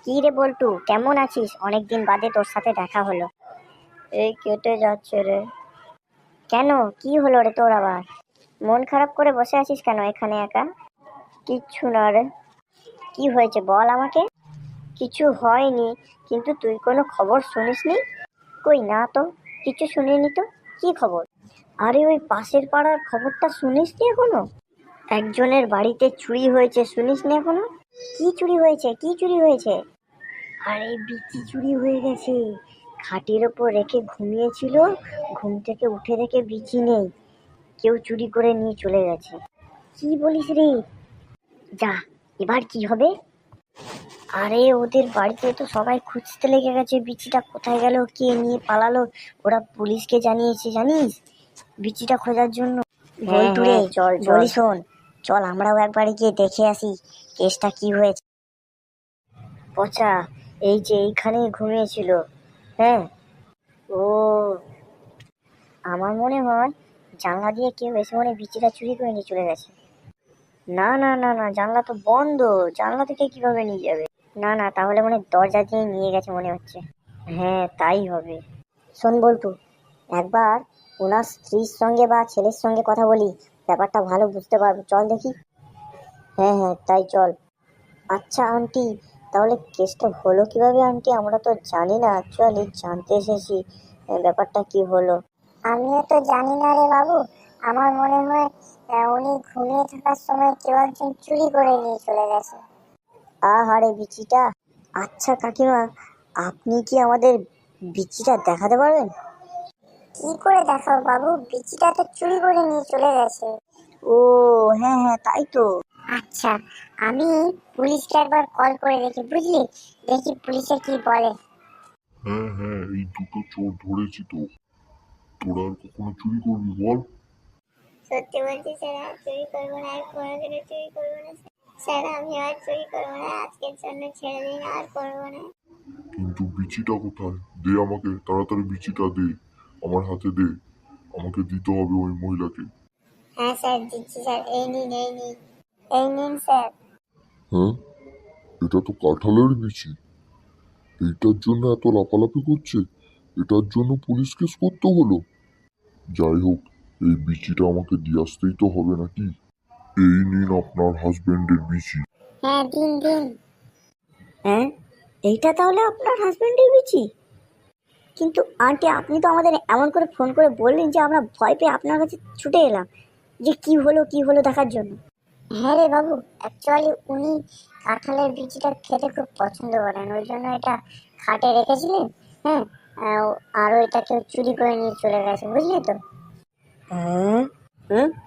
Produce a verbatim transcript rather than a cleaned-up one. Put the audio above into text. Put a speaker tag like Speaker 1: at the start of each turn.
Speaker 1: কি রে বল্টু, কেমন আছিস? অনেকদিন বাদে তোর সাথে দেখা হলো। এই কেটে যাচ্ছে রে। কেন, কি হলো রে তোর আবার? মন খারাপ করে বসে আছিস কেন এখানে একা? কিচ্ছু না রে। কি হয়েছে বল আমাকে। কিছু হয়নি, কিন্তু তুই কোনো খবর শুনিসনি? কই না তো, কিছু শুনিনি তো। কি খবর? আরে ওই পাশের পাড়ার খবরটা শুনিসনি এখনো? একজনের বাড়িতে চুরি হয়েছে, শুনিসনি এখনো? কি চুরি হয়েছে, কি চুরি হয়েছে? আরে বিচি চুরি হয়ে গেছে। খাটের ওপর রেখে ঘুমিয়েছিল, ঘুম থেকে উঠে দেখে বিচি নেই, কেউ চুরি করে নিয়ে চলে গেছে। কি বলিস রে? যা, এবার কি হবে? আরে ওদের বাড়িতে তো সবাই খুঁজতে লেগে গেছে, বিচিটা কোথায় গেল, কে নিয়ে পালালো। ওরা পুলিশকে জানিয়েছে জানিস, বিচিটা খোঁজার জন্য। বল্টু রে, চল বলি শোন, চল আমরাও একবারে গিয়ে দেখে আসি কেসটা কি হয়েছে। পচা, এই যে এইখানে ঘুমিয়েছিল। হ্যাঁ। ও, আমার মনে হয় জানলা দিয়ে কেউ এসে মনে বিচিটা চুরি করে নিয়ে চলে গেছে। না না না না, জানলা তো বন্ধ, জানলা থেকে কিভাবে নিয়ে যাবে? না না, তাহলে মনে দরজা দিয়ে নিয়ে গেছে মনে হচ্ছে। হ্যাঁ, তাই হবে। শোন বল্টু, একবার ওনার স্ত্রীর সঙ্গে বা ছেলের সঙ্গে কথা বলি, ব্যাপারটা ভালো বুঝতে পারবো, চল দেখি। হ্যাঁ হ্যাঁ, তাই চল। আচ্ছা আন্টি, তাহলে কেসটা হলো কিভাবে আন্টি? আমরা তো জানি না, অ্যাকচুয়ালি জানতে এসেছি ব্যাপারটা কি হলো।
Speaker 2: আমিও তো জানি না রে বাবু। আমার মনে হয় আহ, উনি ঘুমিয়ে থাকার সময় কেউ একজন চুরি করে নিয়ে চলে গেছে।
Speaker 1: আহারে বিচিটা। আচ্ছা কাকিমা, আপনি কি আমাদের বিচিটা দেখাতে পারবেন?
Speaker 2: কি করে দেখাও বাবু, বিচিটা তো চুরি করে নিয়ে চলে গেছে।
Speaker 1: ও হ্যাঁ হ্যাঁ, তাই তো।
Speaker 2: আচ্ছা, আমি পুলিশকে একবার কল করে দেখি, বুঝলি, দেখি পুলিশে কি বলে।
Speaker 3: হ্যাঁ হ্যাঁ, এই দুটো চোর ধরেছি তো। তোরা আর কখনো চুরি করবি বল?
Speaker 2: সত্যি বলছি স্যার, আর চুরি করবো না, আর কোনোদিনও চুরি করবো না স্যার। আমি আর চুরি করবো না, আজকের জন্য ছেড়ে দিন, আর করবো না।
Speaker 3: কিন্তু বিচিটা কোথায়? দে আমাকে, তাড়াতাড়ি বিচিটা দে, আমার হাতে দে। আমাকে দিতে হবে ওই মহিলাকে।
Speaker 2: হ্যাঁ স্যার, দিচ্ছি স্যার, এই নিন এই নিন এই নিন স্যার।
Speaker 3: হ্যাঁ, এটা তো কাঁঠালের বিচি। এইটার জন্য এত লাফালাফি করছে, এটার জন্য পুলিশ কেস করতে হলো। যাই হোক, এই বিচিটা আমাকে দিয়ে আসতেই তো হবে নাকি। এই নিন আপনার হাজবেন্ডের বিচি।
Speaker 2: হ্যাঁ, দিন দিন।
Speaker 1: হ্যাঁ, এইটা তাহলে আপনার হাজবেন্ডের বিচি? কিন্তু আন্টি, আপনি তো আমাদের এমন করে ফোন করে বললেন যে আমরা ভয় পেয়ে আপনার কাছে ছুটে এলাম, যে কি হলো কি হলো দেখার জন্য।
Speaker 2: হ্যাঁ রে বাবু, অ্যাকচুয়ালি উনি কাঁঠালের বিচিটা খেতে খুব পছন্দ করেন, ওই জন্য এটা খাটে রেখেছিলেন। হ্যাঁ, আহ, আর ওইটা কেউ চুরি করে নিয়ে চলে গেছে, বুঝলি তো।
Speaker 1: হ্যাঁ হ্যাঁ,